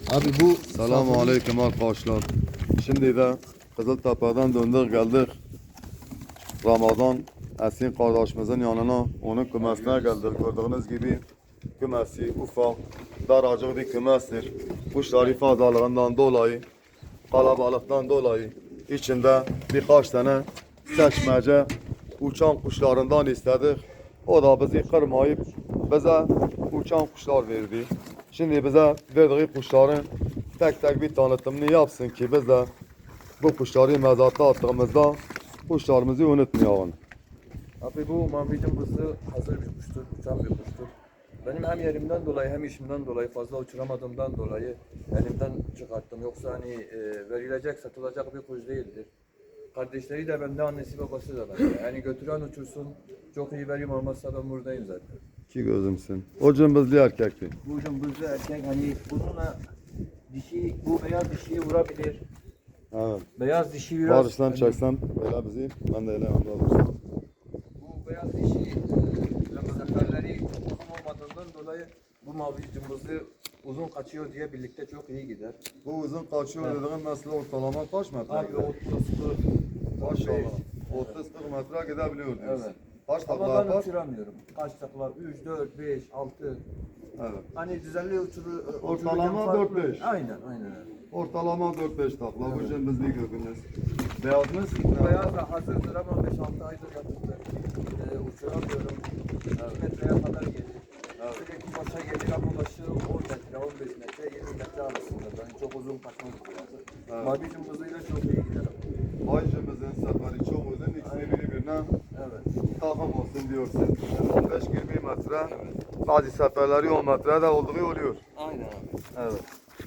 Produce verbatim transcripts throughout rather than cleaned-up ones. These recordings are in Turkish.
Abi bu Selamun Aleyküm arkadaşlar. Şimdi de Kızıltepe'den döndük geldik. Ramazan Esin kardeşimizin yanına, onun kümesine geldik. Gördüğünüz gibi kümesi ufak, daracık bir kümestir. Kuşları fazlalığından dolayı, kalabalıktan dolayı içinde birkaç tane seçmece uçan kuşlarından istedik. O da bizi kırmayıp bize uçan kuşlar verdi. Şimdi bize verdiği kuşların tek tek bir tanıtımını yapsın ki biz de bu kuşları mezata attığımızda kuşlarımızı unutmayalım. Abi bu mavi cımbızı hazır bir kuştur, uçan bir kuştur. Benim hem yerimden dolayı hem işimden dolayı fazla uçuramadığımdan dolayı elimden çıkarttım. Yoksa hani e, verilecek, satılacak bir kuş değildir. Kardeşleri de bende, annesi babası da bende. Yani götüren uçursun, çok iyi verim olmazsa ben buradayım zaten. Ki gözümsün. O cımbızlı erkekti. Bu cımbızlı erkek hani bununla dişi, bu beyaz dişiyi vurabilir. Evet. Beyaz dişi biraz... Barış'tan hani- çeksen böyle bizi, ben de öyle anladım. Bu beyaz dişi e, seferleri uzun olmadığından dolayı bu mavi cımbızı uzun kaçıyor diye birlikte çok iyi gider. Bu uzun kaçıyor dediğin mesela ortalama kaç metre? Abi otuz kırk Maşallah. otuz kırk metre gidebiliyor diyorsun. Evet. Kaç takla Ama ben yapar? uçuramıyorum. Kaç takla? üç, dört, beş, altı. Evet. Hani düzenli uçuru, Ortalama uçururken dört farklı. beş. Aynen, aynen. Ortalama dört beş takla. Bu Evet. cımbızlı gördünüz. Beyaz mı? Bu beyaz da hazırdır ama beş altı aydır yatırdı. Ee, uçuramıyorum. iki metreye kadar gelir. Evet. Sürekli başa gelir ama başı on metre, on beş metre, yirmi metre arasında. Yani çok uzun kaçmaz burası. Evet. Mavi cımbızıyla çok iyi gider. Ay cımbızın seferi çok uzun. İkisini birbirine Evet. takım olsun diyorsun. on beş yirmi metre. Bazı seferleri on metre de olduğu oluyor. Aynen abi. Evet.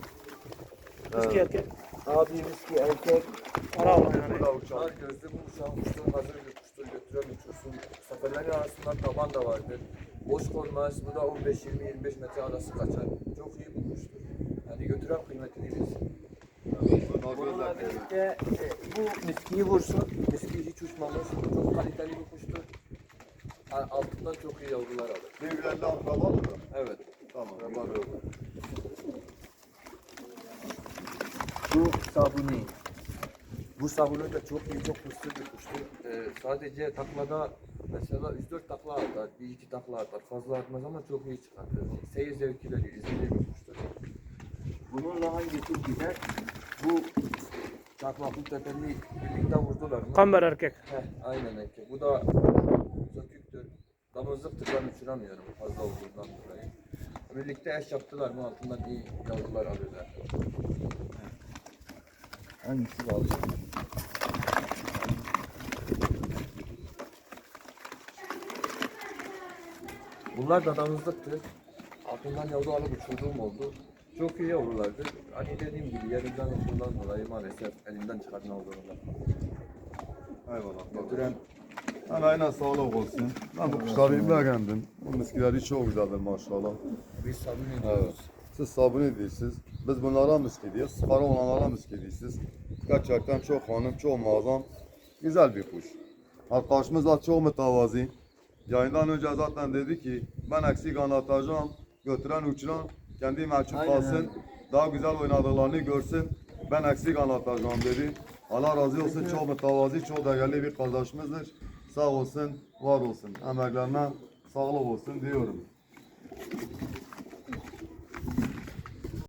Miski erkek. Abi miski erkek. Ara yani. Bu da uçan. Ar gözlü bu uçan kuştur, hazır bir kuştur, götüren uçursun. Seferlerin arasında taban da vardır. Boş konmaz, bu da on beş yirmi yirmi beş metre arası kaçar. Çok iyi bir kuştur. Yani götüren kıymetini bilsin. Bununla birlikte e, bu miskiyi vursun. Miski hiç uçmamış, çok kaliteli bir kuştur. A- Altından çok iyi yavrular alır. Birbirlerine akraba mı? Evet. Tamam. Bu sabuni. Bu sabuni de çok iyi, çok hırslı bir kuştur. Ee, sadece taklada mesela üç dört takla atar, bir iki takla atar. Fazla atmaz ama çok iyi çıkartır. Seyir zevki veriyor, izlediği bir kuştur. Bununla hangi tür gider? Bu çakmaklı tepeli birlikte vurdular mı? Kamber erkek. Heh, aynen erkek. Bu da söküktür. Damızlıktır, ben uçuramıyorum fazla olduğundan dolayı. Birlikte eş yaptılar mı altından iyi yavrular alıyorlar. Hangisi var? Bunlar da damızlıktır. Altından yavru alıp uçurduğum oldu. Çok iyi yavrulardır. Hani dediğim gibi yerimden olduğundan dolayı maalesef elimden çıkartma olduğundan. Eyvallah. Götüren Emeğine sağlık olsun. Ben bu kuşları beğendim. Bu miskileri çok güzeldir maşallah. biz sabun Evet. ediyoruz. Siz sabun ediyorsunuz. Biz bunlara miski diyoruz. Para olanlara miski diyorsunuz. Gerçekten çok hanım, çok muazzam. Güzel bir kuş. Arkadaşımız da çok mütevazi. Yayından önce zaten dedi ki ben eksik anlatacağım. Götüren uçuran kendi mahcup Aynen kalsın. öyle. Daha güzel oynadıklarını görsün. Ben eksik anlatacağım dedi. Allah razı olsun. Çok mütevazi, çok değerli bir kardeşimizdir. Sağ olsun, var olsun. Emeklerine sağlık olsun diyorum.